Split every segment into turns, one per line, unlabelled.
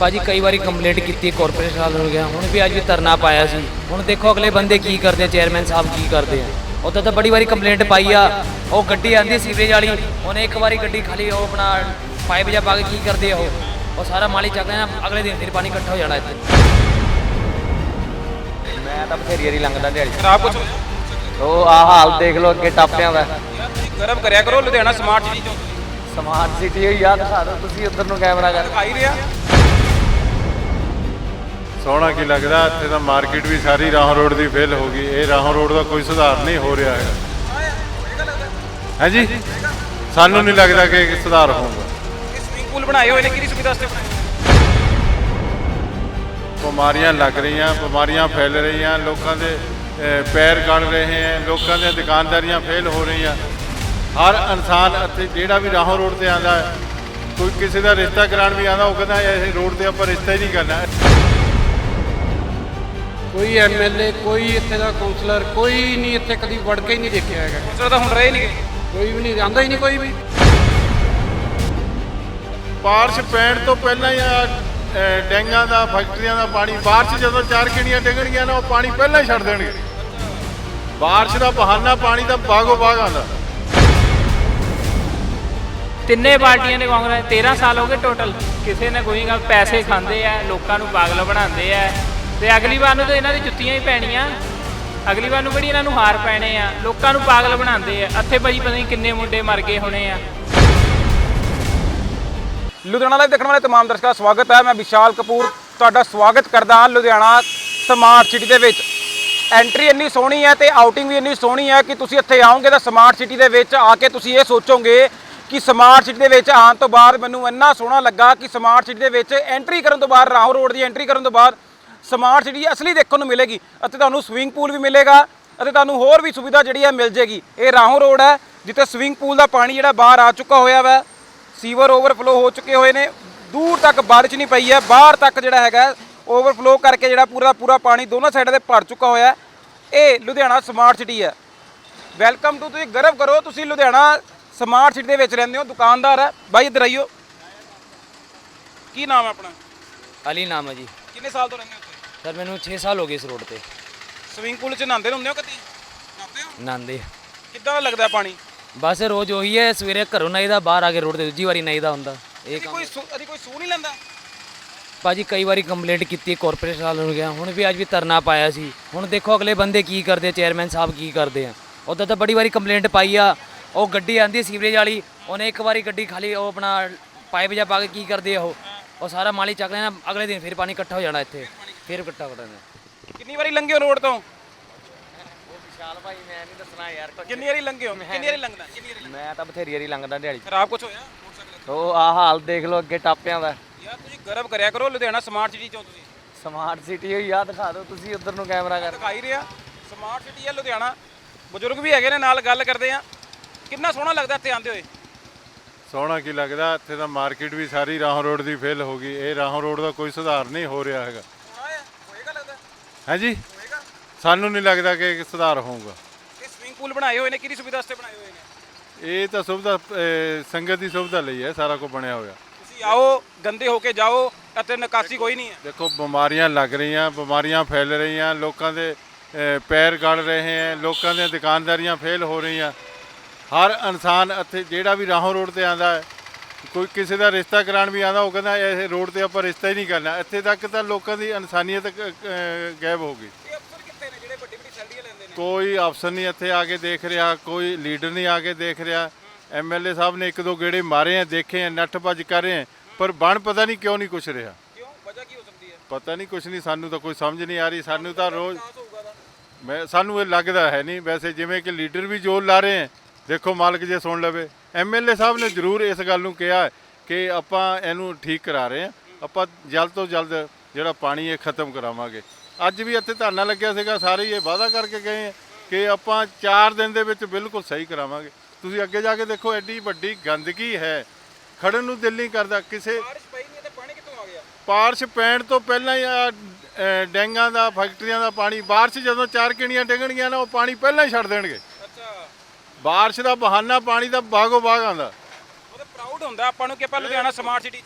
ਭਾਜੀ ਕਈ ਵਾਰੀ ਕੰਪਲੇਂਟ ਕੀਤੀ ਕਾਰਪੋਰੇਸ਼ਨ ਵਾਲ ਹੋ ਗਿਆ, ਹੁਣ ਵੀ ਅੱਜ ਵੀ ਧਰਨਾ ਪਾਇਆ ਸੀ। ਹੁਣ ਦੇਖੋ ਅਗਲੇ ਬੰਦੇ ਕੀ ਕਰਦੇ, ਚੇਅਰਮੈਨ ਸਾਹਿਬ ਕੀ ਕਰਦੇ ਆ। ਉੱਦਾਂ ਤਾਂ ਬੜੀ ਵਾਰੀ ਕੰਪਲੇਂਟ ਪਾਈ ਆ। ਉਹ ਗੱਡੀ ਆਂਦੀ ਸੀਵਰੇਜ ਵਾਲੀ, ਉਹਨੇ ਇੱਕ ਵਾਰੀ ਗੱਡੀ ਖਾਲੀ ਉਹ ਆਪਣਾ ਪਾਈਪ ਜਿਹਾ ਪਾ ਕੇ ਕੀ ਕਰਦੇ ਆ ਉਹ ਸਾਰਾ ਮਾਲੀ ਚੱਕਦੇ ਆ। ਅਗਲੇ ਦਿਨ ਫਿਰ ਪਾਣੀ ਇਕੱਠਾ ਹੋ ਜਾਣਾ ਇੱਥੇ। ਮੈਂ ਤਾਂ ਬਥੇਰੀ ਵਾਰੀ ਲੰਘਦਾ ਦਿਹਾੜੀ।
ਖਰਾਬ ਕੁਛ
ਉਹ ਆਹ ਹਾਲ ਦੇਖ ਲਓ ਅੱਗੇ ਟਾਪਿਆਂ ਦਾ।
ਗਰਮ ਕਰਿਆ ਕਰੋ ਲੁਧਿਆਣਾ ਸਮਾਰਟ ਸਿਟੀ ਚੋਂ।
ਸਮਾਰਟ ਸਿਟੀ ਹੋਈ ਆ, ਦਿਖਾ ਦਿਓ ਤੁਸੀਂ ਉੱਧਰ ਨੂੰ ਕੈਮਰਾ ਕਰ।
ਦਿਖਾਈ ਰਿਹਾ
ਸੋਹਣਾ ਕੀ ਲੱਗਦਾ। ਇੱਥੇ ਤਾਂ ਮਾਰਕੀਟ ਵੀ ਸਾਰੀ ਰਾਹੋਂ ਰੋਡ ਦੀ ਫੇਲ ਹੋ ਗਈ। ਇਹ ਰਾਹੋਂ ਰੋਡ ਦਾ ਕੋਈ ਸੁਧਾਰ ਨਹੀਂ ਹੋ ਰਿਹਾ ਹੈ। ਹਾਂਜੀ, ਸਾਨੂੰ ਨਹੀਂ ਲੱਗਦਾ ਕਿ ਸੁਧਾਰ ਹੋਊਗਾ।
ਇਹ ਸਵਿਮਿੰਗ ਪੂਲ ਬਣਾਏ ਹੋਏ ਨੇ, ਕਿਹਦੀ ਸੁਵਿਧਾ ਵਾਸਤੇ ਬਣਾਏ?
ਬਿਮਾਰੀਆਂ ਲੱਗ ਰਹੀਆਂ, ਬਿਮਾਰੀਆਂ ਫੈਲ ਰਹੀਆਂ, ਲੋਕਾਂ ਦੇ ਪੈਰ ਗਲ ਰਹੇ ਹੈ, ਲੋਕਾਂ ਦੀਆਂ ਦੁਕਾਨਦਾਰੀਆਂ ਫੇਲ ਹੋ ਰਹੀਆਂ। ਹਰ ਇਨਸਾਨ ਇੱਥੇ ਜਿਹੜਾ ਵੀ ਰਾਹੋਂ ਰੋਡ ਤੇ ਆਉਂਦਾ ਹੈ, ਕੋਈ ਕਿਸੇ ਦਾ ਰਿਸ਼ਤਾ ਕਰਾਉਣ ਵੀ ਆਉਂਦਾ, ਉਹ ਕਹਿੰਦਾ ਇਹ ਰੋਡ ਤੇ ਆਪਾਂ ਰਿਸ਼ਤਾ ਹੀ ਨਹੀਂ ਕਰਨਾ।
ਕੋਈ ਐਮਐਲਏ, ਕੋਈ ਇੱਥੇ ਦਾ ਕਾਉਂਸਲਰ, ਕੋਈ ਨਹੀਂ ਇੱਥੇ ਕਦੀ ਵੜ ਕੇ ਹੀ ਨਹੀਂ ਦੇਖਿਆ ਹੈਗਾ।
ਕਾਉਂਸਲਰ ਤਾਂ ਹੁਣ ਰਹੇ ਨਹੀਂ ਗਏ।
ਕੋਈ ਵੀ ਨਹੀਂ ਆਉਂਦਾ ਹੀ ਨਹੀਂ ਕੋਈ ਵੀ।
ਬਾਰਿਸ਼ ਪੈਣ ਤੋਂ ਪਹਿਲਾਂ ਹੀ ਡੈਂਗਾਂ ਦਾ, ਫੈਕਟਰੀਆਂ ਦਾ ਪਾਣੀ, ਬਾਰਿਸ਼ ਜਦੋਂ 4 ਕਿਣੀਆਂ ਡਿੱਗਣਗੀਆਂ ਨਾ, ਉਹ ਪਾਣੀ ਪਹਿਲਾਂ ਹੀ ਛੱਡ ਦੇਣਗੇ। ਬਾਰਿਸ਼ ਦਾ ਬਹਾਨਾ ਪਾਣੀ ਦਾ ਬਾਗੋ ਬਾਗ ਆਉਂਦਾ।
ਤਿੰਨੇ ਪਾਰਟੀਆਂ ਨੇ ਕਾਂਗਰਸ 13 ਸਾਲ ਹੋ ਗਏ ਟੋਟਲ। ਕਿਸੇ ਨੇ ਕੋਈ ਗੱਲ, ਪੈਸੇ ਖਾਂਦੇ ਆ, ਲੋਕਾਂ ਨੂੰ ਪਾਗਲ ਬਣਾਉਂਦੇ ਆ। ਤੇ ਅਗਲੀ ਵਾਰ ਨੂੰ ਤਾਂ ਇਹਨਾਂ ਦੀ ਜੁੱਤੀਆਂ ਹੀ ਪੈਣੀਆਂ। ਅਗਲੀ ਵਾਰ ਨੂੰ ਕਿਹੜੀ ਇਹਨਾਂ ਨੂੰ ਹਾਰ ਪੈਣੇ ਆ। ਲੋਕਾਂ ਨੂੰ ਪਾਗਲ ਬਣਾਉਂਦੇ ਆ। ਇੱਥੇ ਭਾਜੀ ਪਤਾ ਨਹੀਂ ਕਿੰਨੇ ਮੁੰਡੇ ਮਰ ਗਏ ਹੋਣੇ ਆ।
ਲੁਧਿਆਣਾ ਲਾਈਵ ਦੇਖਣ ਵਾਲੇ ਤਮਾਮ ਦਰਸ਼ਕਾਂ ਦਾ ਸਵਾਗਤ ਹੈ। ਮੈਂ ਵਿਸ਼ਾਲ ਕਪੂਰ ਤੁਹਾਡਾ ਸਵਾਗਤ ਕਰਦਾ ਹਾਂ ਲੁਧਿਆਣਾ ਸਮਾਰਟ ਸਿਟੀ ਦੇ ਵਿੱਚ। ਐਂਟਰੀ ਇੰਨੀ ਸੋਹਣੀ ਹੈ ਤੇ ਆਊਟਿੰਗ ਵੀ ਇੰਨੀ ਸੋਹਣੀ ਹੈ ਕਿ ਤੁਸੀਂ ਇੱਥੇ ਆਓਗੇ ਤਾਂ ਸਮਾਰਟ ਸਿਟੀ ਦੇ ਵਿੱਚ ਆ ਕੇ ਤੁਸੀਂ ਇਹ ਸੋਚੋਗੇ ਕਿ ਸਮਾਰਟ ਸਿਟੀ ਦੇ ਵਿੱਚ ਆਉਣ ਤੋਂ ਬਾਅਦ ਮੈਨੂੰ ਇੰਨਾ ਸੋਹਣਾ ਲੱਗਾ ਕਿ ਸਮਾਰਟ ਸਿਟੀ ਦੇ ਵਿੱਚ ਐਂਟਰੀ ਕਰਨ ਤੋਂ ਬਾਅਦ, ਰਾਹੋਂ ਰੋਡ ਦੀ ਐਂਟਰੀ ਕਰਨ ਤੋਂ ਬਾਅਦ ਸਮਾਰਟ ਸਿਟੀ ਅਸਲੀ ਦੇਖਣ ਨੂੰ ਮਿਲੇਗੀ। ਅਤੇ ਤੁਹਾਨੂੰ ਸਵਿਮਿੰਗ ਪੂਲ ਵੀ ਮਿਲੇਗਾ ਅਤੇ ਤੁਹਾਨੂੰ ਹੋਰ ਵੀ ਸੁਵਿਧਾ ਜਿਹੜੀ ਹੈ ਮਿਲ ਜੇਗੀ। ਇਹ ਰਾਹੋਂ ਰੋਡ ਹੈ ਜਿੱਥੇ ਸਵਿਮਿੰਗ ਪੂਲ ਦਾ ਪਾਣੀ ਜਿਹੜਾ ਬਾਹਰ ਆ ਚੁੱਕਾ ਹੋਇਆ ਵਾ। ਸੀਵਰ ਓਵਰਫਲੋ ਹੋ ਚੁੱਕੇ ਹੋਏ ਨੇ, ਦੂਰ ਤੱਕ ਬਾਰਿਸ਼ ਨਹੀਂ ਪਈ ਹੈ, ਬਾਹਰ ਤੱਕ ਜਿਹੜਾ ਹੈਗਾ ਓਵਰਫਲੋ ਕਰਕੇ ਜਿਹੜਾ ਪੂਰਾ ਪਾਣੀ ਦੋਨੋਂ ਸਾਈਡਾਂ ਤੇ ਭਰ ਚੁੱਕਾ ਹੋਇਆ। ਇਹ ਲੁਧਿਆਣਾ ਸਮਾਰਟ ਸਿਟੀ ਹੈ। ਵੈਲਕਮ ਟੂ, ਤੁਸੀਂ ਗਰਵ ਕਰੋ ਤੁਸੀਂ ਲੁਧਿਆਣਾ ਸਮਾਰਟ ਸਿਟੀ ਦੇ ਵਿੱਚ ਰਹਿੰਦੇ ਹੋ। ਦੁਕਾਨਦਾਰ ਹੈ ਬਾਈ, ਇੱਧਰ ਆਈਓ। ਕੀ ਨਾਮ ਹੈ ਆਪਣਾ?
ਅਲੀ ਨਾਮ ਹੈ ਜੀ।
ਕਿੰਨੇ ਸਾਲ ਤੋਂ ਰਹਿੰਦੇ ਹੋ ਇੱਥੇ?
ਸਰ ਮੈਨੂੰ 6 ਸਾਲ ਹੋ ਗਏ ਇਸ ਰੋਡ ਤੇ।
ਸਵਿਮਿੰਗ ਪੂਲ 'ਚ ਨਹਾਉਂਦੇ ਹੁੰਦੇ ਹੋ ਕਦੀ? ਨਹਾਉਂਦੇ ਹੋ?
ਨਾਂਦੇ
ਕਿੱਦਾਂ ਦਾ ਲੱਗਦਾ ਪਾਣੀ?
ਬਸ ਰੋਜ਼ ਉਹੀ ਹੈ, ਸਵੇਰੇ ਘਰੋਂ ਨਾਈਦਾ, ਬਾਹਰ ਆ ਕੇ ਰੋਡ ਤੇ ਦੂਜੀ ਵਾਰੀ ਨਾਈਦਾ ਹੁੰਦਾ। ਇਹ ਕੰਮ
ਕੋਈ ਸੂ ਨਹੀਂ ਲੈਂਦਾ?
ਭਾਜੀ ਕਈ ਵਾਰੀ ਕੰਪਲੇਂਟ ਕੀਤੀ ਕਾਰਪੋਰੇਸ਼ਨ ਵਾਲ ਹੋ ਗਿਆ, ਹੁਣ ਵੀ ਅੱਜ ਵੀ ਧਰਨਾ ਪਾਇਆ ਸੀ। ਹੁਣ ਦੇਖੋ ਅਗਲੇ ਬੰਦੇ ਕੀ ਕਰਦੇ, ਚੇਅਰਮੈਨ ਸਾਹਿਬ ਕੀ ਕਰਦੇ ਆ। ਉੱਦਾਂ ਤਾਂ ਬੜੀ ਵਾਰੀ ਕੰਪਲੇਂਟ ਪਾਈ ਆ। ਉਹ ਗੱਡੀ ਆਂਦੀ ਸੀਵਰੇਜ ਵਾਲੀ, ਉਹਨੇ ਇੱਕ ਵਾਰੀ ਗੱਡੀ ਖਾਲੀ ਉਹ ਆਪਣਾ ਪਾਈਪ ਜਿਹਾ ਪਾ ਕੇ ਕੀ ਕਰਦੇ ਆ ਉਹ ਸਾਰਾ ਮਾਲੀ ਚੱਕਦੇ ਆ। ਅਗਲੇ ਦਿਨ ਫਿਰ ਪਾਣੀ ਇਕੱਠਾ ਹੋ ਜਾਣਾ ਇੱਥੇ, ਫਿਰ ਇਕੱਠਾ ਹੋ ਜਾਣਾ।
ਕਿੰਨੀ ਵਾਰੀ ਲੰਘੇ ਹੋ ਰੋਡ ਤੋਂ?
ਵਿਸ਼ਾਲ ਭਾਈ ਮੈਂ ਨਹੀਂ ਦੱਸਣਾ ਯਾਰ।
ਕਿੰਨੀ ਵਾਰੀ ਲੰਘੇ ਹੋ? ਕਿੰਨੀ ਵਾਰੀ ਲੰਘਦਾ?
ਮੈਂ ਤਾਂ ਬਥੇਰੀ ਵਾਰੀ ਲੰਘਦਾ ਦਿਹਾੜੀ।
ਖਰਾਬ ਕੁਛ ਹੋਇਆ?
ਉਹ ਆਹ ਹਾਲ ਦੇਖ ਲਓ ਅੱਗੇ ਟਾਪਿਆਂ ਦਾ।
ਯਾਰ ਤੁਸੀਂ ਗਰਵ ਕਰਿਆ ਕਰੋ ਲੁਧਿਆਣਾ ਸਮਾਰਟ ਸਿਟੀ ਚੋਂ। ਤੁਸੀਂ
ਸਮਾਰਟ ਸਿਟੀ ਹੋਈ ਆ, ਦਿਖਾ ਦਿਓ ਤੁਸੀਂ ਉੱਧਰ ਨੂੰ ਕੈਮਰਾ ਕਰ।
ਦਿਖਾਈ ਰਿਹਾ ਸਮਾਰਟ ਸਿਟੀ ਹੈ ਲੁਧਿਆਣਾ। ਬਜ਼ੁਰਗ ਵੀ ਹੈਗੇ ਨੇ ਨਾਲ, ਗੱਲ ਕਰਦੇ ਆ। ਕਿੰਨਾ ਸੋਹਣਾ ਲੱਗਦਾ ਇੱਥੇ ਆਉਂਦੇ ਹੋਏ।
ਸੋਹਣਾ ਕੀ ਲੱਗਦਾ। ਇੱਥੇ ਤਾਂ ਮਾਰਕੀਟ ਵੀ ਸਾਰੀ ਰਾਹੋਂ ਰੋਡ ਦੀ ਫੇਲ ਹੋ ਗਈ। ਇਹ ਰਾਹੋਂ ਰੋਡ ਦਾ ਕੋਈ ਸੁਧਾਰ ਨਹੀਂ ਹੋ ਰਿਹਾ ਹੈਗਾ।
ਹੋਏਗਾ ਲੱਗਦਾ?
ਹਾਂਜੀ,
ਹੋਏਗਾ।
ਸਾਨੂੰ ਨਹੀਂ ਲੱਗਦਾ ਕਿ ਸੁਧਾਰ ਹੋਊਗਾ।
ਇਹ ਸਵਿਮਿੰਗ ਪੂਲ ਬਣਾਏ ਹੋਏ ਨੇ, ਕਿਹਦੀ ਸੁਵਿਧਾ ਵਾਸਤੇ ਬਣਾਏ ਹੋਏ ਨੇ?
ਇਹ ਤਾਂ ਸੁਵਿਧਾ ਸੰਗਤ ਦੀ ਸੁਵਿਧਾ ਲਈ ਹੈ, ਸਾਰਾ ਕੁਝ ਬਣਿਆ ਹੋਇਆ।
ਤੁਸੀਂ ਆਓ, ਗੰਦੇ ਹੋ ਕੇ ਜਾਓ, ਅਤੇ ਨਿਕਾਸੀ ਕੋਈ ਨਹੀਂ ਹੈ।
ਦੇਖੋ ਬਿਮਾਰੀਆਂ ਲੱਗ ਰਹੀਆਂ, ਬਿਮਾਰੀਆਂ ਫੈਲ ਰਹੀਆਂ, ਲੋਕਾਂ ਦੇ ਪੈਰ ਗਲ ਰਹੇ ਹੈ, ਲੋਕਾਂ ਦੀਆਂ ਦੁਕਾਨਦਾਰੀਆਂ ਫੇਲ ਹੋ ਰਹੀਆਂ। ਹਰ ਇਨਸਾਨ ਇੱਥੇ ਜਿਹੜਾ ਵੀ ਰਾਹੋਂ ਰੋਡ ਤੇ ਆਉਂਦਾ ਹੈ, ਕੋਈ ਕਿਸੇ ਦਾ ਰਿਸ਼ਤਾ ਕਰਾਉਣ ਵੀ ਆਉਂਦਾ, ਉਹ ਕਹਿੰਦਾ ਇਹ ਰੋਡ ਤੇ ਆਪਾਂ ਰਿਸ਼ਤਾ ਹੀ ਨਹੀਂ ਕਰਨਾ। ਇੱਥੇ ਤੱਕ ਤਾਂ ਲੋਕਾਂ ਦੀ ਇਨਸਾਨੀਅਤ ਗਾਇਬ ਹੋ ਗਈ।
ਇਹ ਅਫਸਰ ਕਿੱਥੇ ਨੇ ਜਿਹੜੇ ਵੱਡੀ ਸੈਲਰੀਆਂ ਲੈਂਦੇ ਨੇ?
ਕੋਈ ਅਫਸਰ ਨਹੀਂ ਇੱਥੇ ਆ ਕੇ ਦੇਖ ਰਿਹਾ, ਕੋਈ ਲੀਡਰ ਨਹੀਂ ਆ ਕੇ ਦੇਖ ਰਿਹਾ। ਐਮਐਲਏ ਸਾਹਿਬ ਨੇ 1-2 ਗੇੜੇ ਮਾਰੇ ਆ, ਦੇਖੇ ਆ, ਨੱਠ ਭੱਜ ਕਰ ਰਹੇ ਆ, ਪਰ ਬਣ ਪਤਾ ਨਹੀਂ ਕਿਉਂ ਨਹੀਂ ਕੁਛ ਰਿਹਾ।
ਕਿਉਂ? ਵਜ੍ਹਾ ਕੀ ਹੋ ਸਕਦੀ ਹੈ?
ਪਤਾ ਨਹੀਂ, ਕੁਛ ਨਹੀਂ, ਸਾਨੂੰ ਤਾਂ ਕੋਈ ਸਮਝ ਨਹੀਂ ਆ ਰਹੀ। ਸਾਨੂੰ ਤਾਂ ਰੋਜ਼ ਸਾਨੂੰ ਇਹ ਲੱਗਦਾ ਹੈ ਨਹੀਂ। ਵੈਸੇ ਜਿਵੇਂ ਕਿ ਲੀਡਰ ਵੀ ਜ਼ੋਰ ਲਾ ਰਹੇ ਹੈ, ਦੇਖੋ ਮਾਲਕ ਜੇ ਸੁਣ ਲਵੇ। ਐਮਐਲਏ ਸਾਹਿਬ ਨੇ ਜ਼ਰੂਰ ਇਸ ਗੱਲ ਨੂੰ ਕਿਹਾ ਕਿ ਆਪਾਂ ਇਹਨੂੰ ਠੀਕ ਕਰਾ ਰਹੇ ਹਾਂ, ਆਪਾਂ ਜਲਦ ਤੋਂ ਜਲਦ ਜਿਹੜਾ ਪਾਣੀ ਇਹ ਖਤਮ ਕਰਾਵਾਂਗੇ। ਅੱਜ ਵੀ ਇੱਥੇ ਧਰਨਾ ਲੱਗਿਆ ਸੀਗਾ, ਸਾਰੇ ਇਹ ਵਾਅਦਾ ਕਰਕੇ ਗਏ ਹੈ ਕਿ ਆਪਾਂ 4 ਦਿਨ ਦੇ ਵਿੱਚ ਬਿਲਕੁਲ ਸਹੀ ਕਰਾਵਾਂਗੇ। ਤੁਸੀਂ ਅੱਗੇ ਜਾ ਕੇ ਦੇਖੋ, ਐਡੀ ਵੱਡੀ ਗੰਦਗੀ ਹੈ, ਖੜਨ ਨੂੰ ਦਿਲ ਨਹੀਂ ਕਰਦਾ ਕਿਸੇ।
ਬਾਰਿਸ਼ ਪਈ ਨਹੀਂ ਤੇ ਪਾਣੀ ਕਿੱਥੋਂ ਆ ਗਿਆ?
ਬਾਰਿਸ਼ ਪੈਣ ਤੋਂ ਪਹਿਲਾਂ ਹੀ ਡੈਂਗਾਂ ਦਾ, ਫੈਕਟਰੀਆਂ ਦਾ ਪਾਣੀ, ਬਾਰਿਸ਼ ਜਦੋਂ 4 ਕਿਣੀਆਂ ਡਿੱਗਣਗੀਆਂ ਨਾ, ਉਹ ਪਾਣੀ ਪਹਿਲਾਂ ਹੀ ਛੱਡ ਦੇਣਗੇ।
ਅੱਛਾ,
ਬਾਰਿਸ਼ ਦਾ ਬਹਾਨਾ ਪਾਣੀ ਦਾ ਬਾਗੋ ਬਾਗ ਆਉਂਦਾ।
ਉਹ ਤਾਂ ਪ੍ਰਾਊਡ ਹੁੰਦਾ ਆਪਾਂ ਨੂੰ ਕਿ ਆਪਾਂ ਲੁਧਿਆਣਾ ਸਮਾਰਟ ਸਿਟੀ 'ਚ ਆ।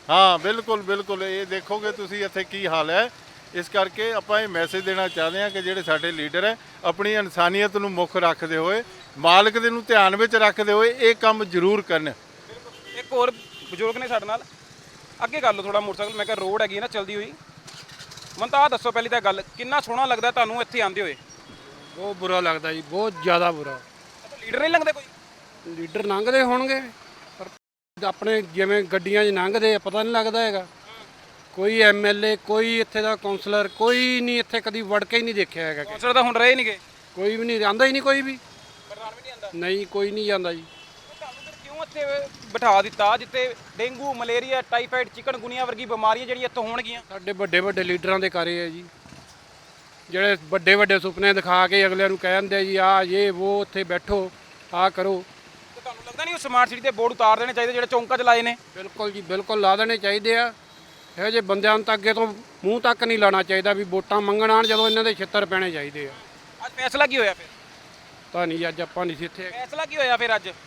ਹਾਂ ਬਿਲਕੁਲ ਬਿਲਕੁਲ, ਇਹ ਦੇਖੋਗੇ ਤੁਸੀਂ ਇੱਥੇ ਕੀ ਹਾਲ ਹੈ। ਇਸ ਕਰਕੇ ਆਪਾਂ ਇਹ ਮੈਸੇਜ ਦੇਣਾ ਚਾਹੁੰਦੇ ਹਾਂ ਕਿ ਜਿਹੜੇ ਸਾਡੇ ਲੀਡਰ ਹੈ ਆਪਣੀ ਇਨਸਾਨੀਅਤ ਨੂੰ ਮੁੱਖ ਰੱਖਦੇ ਹੋਏ, ਮਾਲਕ ਦੇ ਨੂੰ ਧਿਆਨ ਵਿੱਚ ਰੱਖਦੇ ਹੋਏ ਇਹ ਕੰਮ ਜ਼ਰੂਰ ਕਰਨ।
ਇੱਕ ਹੋਰ ਬਜ਼ੁਰਗ ਨੇ ਸਾਡੇ ਨਾਲ, ਅੱਗੇ ਕਰ ਲਓ ਥੋੜਾ ਮੋਟਰਸਾਈਕਲ। ਮੈਂ ਕਿਹਾ ਰੋਡ ਹੈਗੀ ਨਾ ਚਲਦੀ ਹੋਈ। ਮੈਨੂੰ ਤਾਂ ਆਹ ਦੱਸੋ ਪਹਿਲੀ ਤਾਂ ਗੱਲ, ਕਿੰਨਾ ਸੋਹਣਾ ਲੱਗਦਾ ਤੁਹਾਨੂੰ ਇੱਥੇ ਆਉਂਦੇ ਹੋਏ?
ਬਹੁਤ ਬੁਰਾ ਲੱਗਦਾ ਜੀ, ਬਹੁਤ ਜ਼ਿਆਦਾ ਬੁਰਾ।
ਲੀਡਰ ਨਹੀਂ ਲੰਘਦੇ ਕੋਈ?
ਲੀਡਰ ਲੰਘਦੇ ਹੋਣਗੇ ਪਰ ਆਪਣੇ ਜਿਵੇਂ ਗੱਡੀਆਂ 'ਚ ਲੰਘਦੇ ਆ, ਪਤਾ ਨਹੀਂ ਲੱਗਦਾ ਹੈਗਾ। ਕੋਈ ਐਮਐਲਏ, ਕੋਈ ਇੱਥੇ ਦਾ ਕਾਉਂਸਲਰ, ਕੋਈ ਨਹੀਂ ਇੱਥੇ ਕਦੀ ਵੜ ਕੇ ਹੀ ਨਹੀਂ ਦੇਖਿਆ ਹੈਗਾ।
ਕੌਂਸਲਰ ਤਾਂ ਹੁਣ ਰਹੇ ਨਹੀਂਗੇ,
ਕੋਈ ਵੀ ਨਹੀਂ ਆਂਦਾ, ਹੀ ਨਹੀਂ ਕੋਈ ਵੀ।
ਪ੍ਰਧਾਨ ਵੀ ਨਹੀਂ ਆਉਂਦਾ।
ਨਹੀਂ, ਕੋਈ ਨਹੀਂ ਜਾਂਦਾ ਜੀ।
ਤੁਹਾਨੂੰ ਫਿਰ ਕਿਉਂ ਇੱਥੇ ਬਿਠਾ ਦਿੱਤਾ ਜਿੱਥੇ ਡੇਂਗੂ, ਮਲੇਰੀਆ, ਟਾਈਫਾਈਡ, ਚਿਕਨਗੁਨੀਆ ਵਰਗੀ ਬਿਮਾਰੀਆਂ ਜਿਹੜੀਆਂ ਇੱਥੋਂ ਹੋਣਗੀਆਂ?
ਸਾਡੇ ਵੱਡੇ ਵੱਡੇ ਲੀਡਰਾਂ ਦੇ ਕਾਰੇ ਹੈ ਜੀ, ਜਿਹੜੇ ਵੱਡੇ ਵੱਡੇ ਸੁਪਨੇ ਦਿਖਾ ਕੇ ਅਗਲਿਆਂ ਨੂੰ ਕਹਿ ਦਿੰਦੇ ਜੀ ਆਹ ਇਹ ਉਹ, ਉੱਥੇ ਬੈਠੋ, ਆਹ ਕਰੋ।
ਤੇ ਤੁਹਾਨੂੰ ਲੱਗਦਾ ਨਹੀਂ ਉਹ ਸਮਾਰਟ ਸਿਟੀ ਦੇ ਬੋਰਡ ਉਤਾਰ ਦੇਣੇ ਚਾਹੀਦੇ ਜਿਹੜੇ ਚੌਂਕਾਂ 'ਚ ਲਾਏ ਨੇ?
ਬਿਲਕੁਲ ਜੀ, ਬਿਲਕੁਲ ਲਾ ਦੇਣੇ ਚਾਹੀਦੇ ਆ। ਇਹੋ ਜਿਹੇ ਬੰਦਿਆਂ ਨੂੰ ਤਾਂ ਅੱਗੇ ਤੋਂ ਮੂੰਹ ਤੱਕ ਨਹੀਂ ਲਾਣਾ ਚਾਹੀਦਾ ਵੀ ਵੋਟਾਂ ਮੰਗਣ ਆਉਣ, ਜਦੋਂ ਇਹਨਾਂ ਦੇ ਛਿੱਤਰ ਪੈਣੇ ਚਾਹੀਦੇ ਆ।
ਅੱਜ ਫੈਸਲਾ ਕੀ ਹੋਇਆ ਫਿਰ?
ਤਾਂ ਨਹੀਂ, ਅੱਜ ਆਪਾਂ ਨਹੀਂ ਸੀ ਇੱਥੇ।
ਫੈਸਲਾ ਕੀ ਹੋਇਆ ਫਿਰ ਅੱਜ?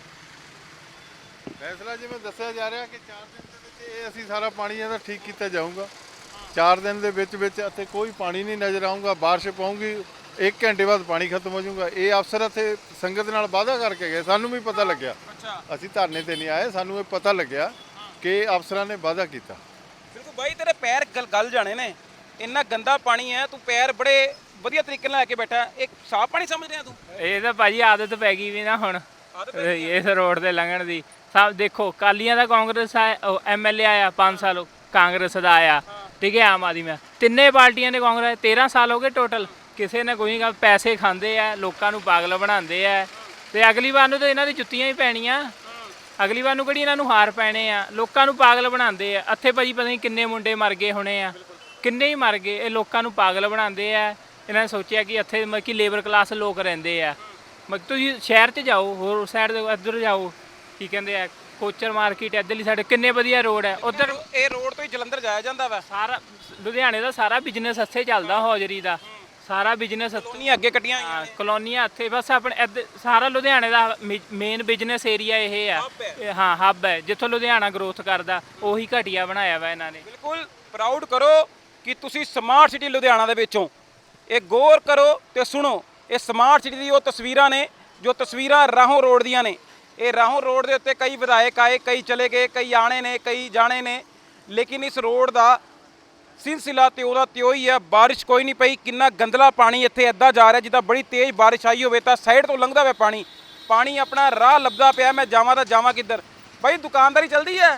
ਫੈਸਲਾ ਜਿਵੇਂ ਦੱਸਿਆ ਜਾ ਰਿਹਾ ਕਿ 4 ਦਿਨ ਦੇ ਵਿੱਚ ਇਹ ਅਸੀਂ ਸਾਰਾ ਪਾਣੀ ਇਹਦਾ ਠੀਕ ਕੀਤਾ ਜਾਊਗਾ। 4 ਦਿਨ ਦੇ ਵਿੱਚ ਇੱਥੇ ਕੋਈ ਪਾਣੀ ਨਹੀਂ ਨਜ਼ਰ ਆਊਗਾ। ਬਾਰਿਸ਼ ਪਊਗੀ 1 ਘੰਟੇ ਬਾਅਦ ਪਾਣੀ ਖਤਮ ਹੋ ਜਾਊਗਾ। ਇਹ ਅਫਸਰ ਇੱਥੇ ਸੰਗਤ ਨਾਲ ਵਾਅਦਾ ਕਰਕੇ ਗਏ, ਸਾਨੂੰ ਵੀ ਪਤਾ ਲੱਗਿਆ।
ਅੱਛਾ,
ਅਸੀਂ ਧਰਨੇ ਤੇ ਨਹੀਂ ਆਏ, ਸਾਨੂੰ ਇਹ ਪਤਾ ਲੱਗਿਆ ਕਿ ਅਫਸਰਾਂ ਨੇ ਵਾਅਦਾ ਕੀਤਾ।
ਬਿਲਕੁਲ ਬਾਈ, ਤੇਰੇ ਪੈਰ ਗਲ ਜਾਣੇ ਨੇ, ਇੰਨਾ ਗੰਦਾ ਪਾਣੀ ਹੈ। ਤੂੰ ਪੈਰ ਬੜੇ ਵਧੀਆ ਤਰੀਕੇ ਨਾਲ ਲੈ ਕੇ ਬੈਠਾ, ਇਹ ਸਾਫ਼ ਪਾਣੀ ਸਮਝ ਰਿਹਾ ਤੂੰ?
ਇਹ ਤਾਂ ਭਾਜੀ ਆਦਤ ਪੈ ਗਈ ਵੀ ਨਾ ਹੁਣ ਇਸ ਰੋਡ ਤੇ ਲੰਘਣ ਦੀ। ਸਭ ਦੇਖੋ, ਕਾਲੀਆਂ ਦਾ ਕਾਂਗਰਸ ਐਮਐਲਏ ਆਇਆ 5 ਸਾਲ, ਕਾਂਗਰਸ ਦਾ ਆਇਆ, ਠੀਕ ਹੈ, ਆਮ ਆਦਮੀ। ਤਿੰਨੇ ਪਾਰਟੀਆਂ ਨੇ ਕਾਂਗਰਸ, 13 ਸਾਲ ਹੋ ਗਏ ਟੋਟਲ। ਕਿਸੇ ਨੇ ਕੋਈ ਗੱਲ, ਪੈਸੇ ਖਾਂਦੇ ਆ, ਲੋਕਾਂ ਨੂੰ ਪਾਗਲ ਬਣਾਉਂਦੇ ਆ। ਤੇ ਅਗਲੀ ਵਾਰ ਨੂੰ ਤਾਂ ਇਹਨਾਂ ਦੀ ਜੁੱਤੀਆਂ ਹੀ ਪੈਣੀਆਂ। ਅਗਲੀ ਵਾਰ ਨੂੰ ਕਿਹੜੀ ਇਹਨਾਂ ਨੂੰ ਹਾਰ ਪੈਣੇ ਆ। ਲੋਕਾਂ ਨੂੰ ਪਾਗਲ ਬਣਾਉਂਦੇ ਆ। ਇੱਥੇ ਭਾਜੀ ਪਤਾ ਨਹੀਂ ਕਿੰਨੇ ਮੁੰਡੇ ਮਰ ਗਏ ਹੋਣੇ ਆ, ਕਿੰਨੇ ਹੀ ਮਰ ਗਏ। ਇਹ ਲੋਕਾਂ ਨੂੰ ਪਾਗਲ ਬਣਾਉਂਦੇ ਆ। ਇਹਨਾਂ ਨੇ ਸੋਚਿਆ ਕਿ ਇੱਥੇ ਮਤਲਬ ਕਿ ਲੇਬਰ ਕਲਾਸ ਲੋਕ ਰਹਿੰਦੇ ਆ। ਮਤਲਬ ਤੁਸੀਂ ਸ਼ਹਿਰ 'ਚ ਜਾਓ, ਹੋਰ ਸਾਈਡ ਦੇ ਇੱਧਰ ਜਾਓ, ਕੀ ਕਹਿੰਦੇ ਆ, ਕੋਚਰ ਮਾਰਕੀਟ, ਇੱਧਰਲੀ ਸਾਈਡ ਕਿੰਨੇ ਵਧੀਆ ਰੋਡ ਹੈ। ਉੱਧਰ
ਇਹ ਰੋਡ ਤੋਂ ਹੀ ਜਲੰਧਰ ਜਾਇਆ ਜਾਂਦਾ ਵਾ।
ਸਾਰਾ ਲੁਧਿਆਣੇ ਦਾ ਸਾਰਾ ਬਿਜ਼ਨਸ ਇੱਥੇ ਚੱਲਦਾ, ਹੌਜਰੀ ਦਾ ਸਾਰਾ ਬਿਜ਼ਨਸ ਇੱਥੇ।
ਨਹੀਂ ਅੱਗੇ ਕੱਟੀਆਂ
ਹਾਂ, ਕਲੋਨੀਆਂ ਇੱਥੇ ਬਸ ਆਪਣੇ ਇੱਧਰ ਸਾਰਾ ਲੁਧਿਆਣੇ ਦਾ ਮੇਨ ਬਿਜ਼ਨਸ ਏਰੀਆ ਇਹ ਆ। ਹਾਂ, ਹੱਬ ਹੈ ਜਿੱਥੋਂ ਲੁਧਿਆਣਾ ਗਰੋਥ ਕਰਦਾ, ਉਹੀ ਘਟੀਆ ਬਣਾਇਆ ਵਾ ਇਹਨਾਂ ਨੇ।
ਬਿਲਕੁਲ ਪ੍ਰਾਊਡ ਕਰੋ ਕਿ ਤੁਸੀਂ ਸਮਾਰਟ ਸਿਟੀ ਲੁਧਿਆਣਾ ਦੇ ਵਿੱਚੋਂ। ਇਹ ਗੌਰ ਕਰੋ ਤੇ ਸੁਣੋ, ਇਹ ਸਮਾਰਟ ਸਿਟੀ ਦੀ ਉਹ ਤਸਵੀਰਾਂ ਨੇ ਜੋ ਤਸਵੀਰਾਂ ਰਾਹੋਂ ਰੋਡ ਦੀਆਂ ਨੇ। ਇਹ ਰਾਹੋਂ ਰੋਡ ਦੇ ਉੱਤੇ ਕਈ ਵਿਧਾਇਕ ਆਏ, ਕਈ ਚਲੇ ਗਏ, ਕਈ ਆਣੇ ਨੇ, ਕਈ ਜਾਣੇ ਨੇ, ਲੇਕਿਨ ਇਸ ਰੋਡ ਦਾ ਸਿਲਸਿਲਾ ਤੇ ਉਹਦਾ ਤਿਉ ਹੀ ਹੈ। ਬਾਰਿਸ਼ ਕੋਈ ਨਹੀਂ ਪਈ, ਕਿੰਨਾ ਗੰਦਲਾ ਪਾਣੀ ਇੱਥੇ ਇੱਦਾਂ ਜਾ ਰਿਹਾ ਜਿੱਦਾਂ ਬੜੀ ਤੇਜ਼ ਬਾਰਿਸ਼ ਆਈ ਹੋਵੇ ਤਾਂ ਸਾਈਡ ਤੋਂ ਲੰਘਦਾ ਹੋਇਆ ਪਾਣੀ। ਪਾਣੀ ਆਪਣਾ ਰਾਹ ਲੱਭਦਾ ਪਿਆ, ਮੈਂ ਜਾਵਾਂ ਤਾਂ ਜਾਵਾਂ ਕਿੱਧਰ? ਬਾਈ ਦੁਕਾਨਦਾਰੀ ਚੱਲਦੀ ਹੈ?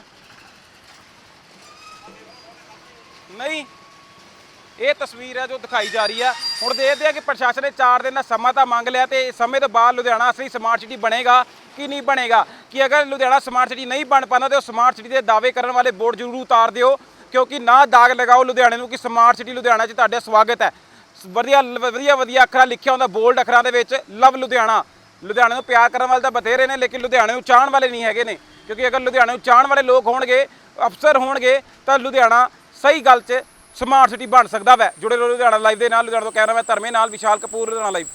ਨਹੀਂ, ਇਹ ਤਸਵੀਰ ਹੈ ਜੋ ਦਿਖਾਈ ਜਾ ਰਹੀ ਹੈ। ਹੁਣ ਦੇਖਦੇ ਆ ਕਿ ਪ੍ਰਸ਼ਾਸਨ ਨੇ 4 ਦਿਨ ਦਾ ਸਮਾਂ ਤਾਂ ਮੰਗ ਲਿਆ, ਤੇ ਸਮੇਂ ਤੋਂ ਬਾਅਦ ਲੁਧਿਆਣਾ ਅਸਲੀ ਸਮਾਰਟ ਸਿਟੀ ਬਣੇਗਾ ਕਿ ਨਹੀਂ ਬਣੇਗਾ। ਕਿ ਅਗਰ ਲੁਧਿਆਣਾ ਸਮਾਰਟ ਸਿਟੀ ਨਹੀਂ ਬਣ ਪਾਉਂਦਾ ਤੇ ਉਹ ਸਮਾਰਟ ਸਿਟੀ ਦੇ ਦਾਅਵੇ ਕਰਨ ਵਾਲੇ ਬੋਰਡ ਜ਼ਰੂਰ ਉਤਾਰ ਦਿਓ, ਕਿਉਂਕਿ ਨਾ ਦਾਗ ਲਗਾਓ ਲੁਧਿਆਣੇ ਨੂੰ ਕਿ ਸਮਾਰਟ ਸਿਟੀ ਲੁਧਿਆਣਾ 'ਚ ਤੁਹਾਡਾ ਸਵਾਗਤ ਹੈ। ਵਧੀਆ ਵਧੀਆ ਵਧੀਆ ਅੱਖਰਾਂ ਲਿਖਿਆ ਹੁੰਦਾ ਬੋਲਡ ਅੱਖਰਾਂ ਦੇ ਵਿੱਚ, ਲਵ ਲੁਧਿਆਣਾ। ਲੁਧਿਆਣੇ ਨੂੰ ਪਿਆਰ ਕਰਨ ਵਾਲੇ ਤਾਂ ਬਥੇਰੇ ਨੇ, ਲੇਕਿਨ ਲੁਧਿਆਣੇ ਨੂੰ ਚਾਹਣ ਵਾਲੇ ਨਹੀਂ ਹੈਗੇ ਨੇ। ਕਿਉਂਕਿ ਅਗਰ ਲੁਧਿਆਣੇ ਨੂੰ ਚਾਹਣ ਵਾਲੇ ਲੋਕ ਹੋਣਗੇ, ਅਫਸਰ ਹੋਣਗੇ, ਤਾਂ ਲੁਧਿਆਣਾ ਸਹੀ ਗੱਲ 'ਚ ਸਮਾਰਟ ਸਿਟੀ ਬਣ ਸਕਦਾ ਵੈ। ਜੁੜੇ ਰਹੋ ਲੁਧਿਆਣਾ ਲਾਈਵ ਦੇ ਨਾਲ। ਲੁਧਿਆਣਾ ਤੋਂ ਕਹਿ ਰਿਹਾ ਮੈਂ ਧਰਮੇ ਨਾਲ, ਵਿਸ਼ਾਲ ਕਪੂਰ, ਲੁਧਿਆਣਾ ਲਾਈਵ।